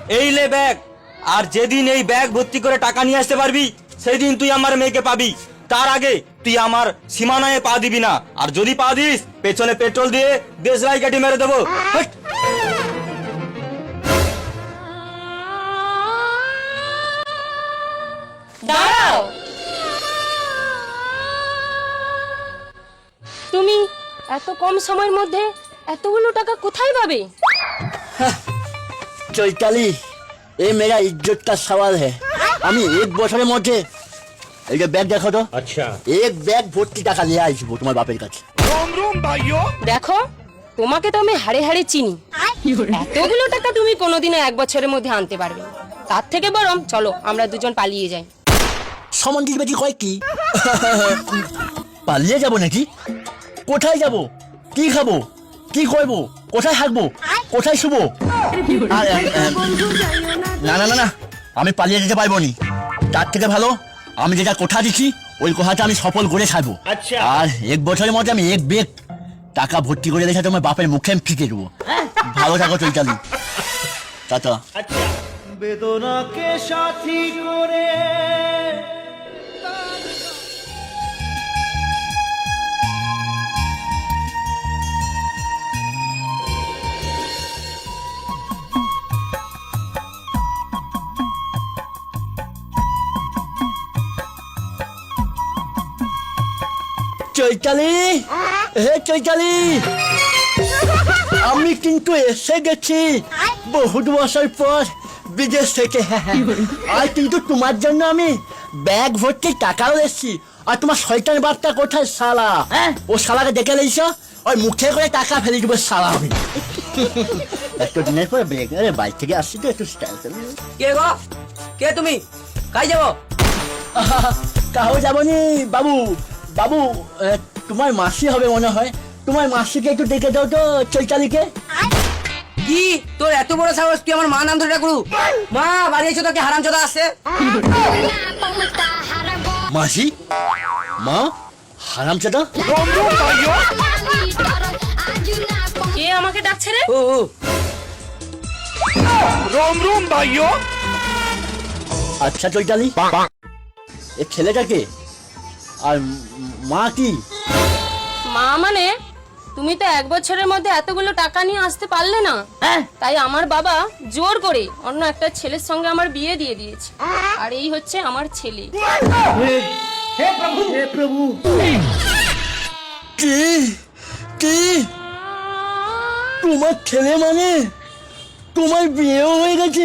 এই লে ব্যাগ। আর যেদিন এই ব্যাগ ভর্তি করে টাকা নিয়ে আসতে পারবি সেই দিন তুই আমার মেয়েকে পাবি। তার আগে তুই আমার সীমানায় পা দিবি না, আর যদি পা দিস পেছনে পেট্রোল দিয়ে দেশলাই কাটি মেরে দেবো। হাট। দাঁড়াও, তুমি এত কম সময়ের মধ্যে এতগুলো টাকা কোথায় পাবে? चैताली ये मेरा इज्जत का सवाल है। আমি এক বছরের মধ্যে এই যে ব্যাগ দেখো তো, अच्छा এক ব্যাগ ভর্তি টাকা নিয়ে আসবো তোমার বাপের কাছে। দেখো, তোমাকে তো আমি হাড়ে হাড়ে চিনি। এতগুলো টাকা তুমি কোনোদিনও এক বছরের মধ্যে আনতে পারবে না। তার থেকে বরং চলো আমরা দুজন পালিয়ে যাই। সমান দিবে কি কয় কি? পালিয়ে যাব নাকি? কোথায় যাব? কি খাবো? কি করবো? কোথায় থাকবো? কোথায় শুবো? না না না না, আমি পালিয়ে যেতে পারবো নি। তার থেকে ভালো আমি যেটা কথা দিচ্ছি ওই কথাটা আমি সফল করে ছাড়বো। আচ্ছা। আর এক বছরের মধ্যে আমি এক ব্যাগ টাকা ভর্তি করে রেখে তোমার বাপের মুখে আমি ফিকে দেবো। ভালো থাকো চৈতালি, টাটা। अच्छा বেদনাকে সাথী করে চৈতালি, হে চৈতালি, আমি কিন্তু এসে গেছি বহুত বছর পর বিদেশ থেকে। আর কিন্তু তোমার জন্য আমি ব্যাগ ভর্তি টাকাও এসেছি। আর তোমার শয়তান বাপটা কোথায় শালা? ও শালাকে দেখে লেছো, ওই মুখে করে টাকা ফেলে দেবো শালা আমি। একটু দিনের পর ব্যাগ বাইক থেকে আসছি তো একটু স্টাইল। কে গো? কে তুমি? কাই যাবো? কাহো যাবনি বাবু। বাবু তোমার মাসি হবে মনে হয়, তোমার মাসিকে একটু দেখে দাও তো চৈতালিকে। কি তোর এত বড় সাহস, তুই আমার মা নাম ধরে ডাকলু? মা বাড়ি এসে তোকে হারামজাদা আসছে। মাসি? মা? হারামজাদা? কে আমাকে ডাকছে রে? ও ও, আচ্ছা চৈতালি, এ ছেলেটাকে আর মা কি? মা মানে তুমি তো এক বছরের মধ্যে এতগুলো টাকা নিয়ে আসতে পারলে না, তাই আমার বাবা জোর করে অন্য একটা ছেলের সঙ্গে আমার বিয়ে দিয়ে দিয়েছে। আর এই হচ্ছে আমার ছেলে। কি কি তোমার ছেলে মানে তোমার বিয়েও হয়ে গেছে?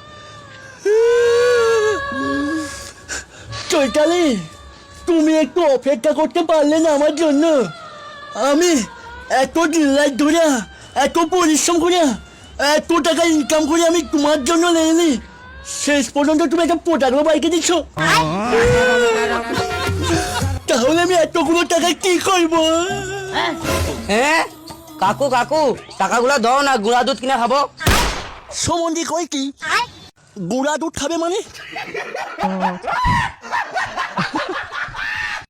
চৈতালি, তুমি একটু অপেক্ষা করতে পারলে না আমার জন্য? আমি এত দিন রাত ধরে এত পরিশ্রম করে এত টাকা ইনকাম করে আমি তোমার জন্য নেইনি, শেষ পর্যন্ত তুমি একটা পোটারও বাইকে দিচ্ছ। তাহলে আমি এতগুলো টাকা কি করবো? হ্যাঁ কাকু কাকু, টাকাগুলো দাও না, গুঁড়া দুধ কিনে খাবো। সমন্ধি কই কি গুড়া দুধ খাবে মানে?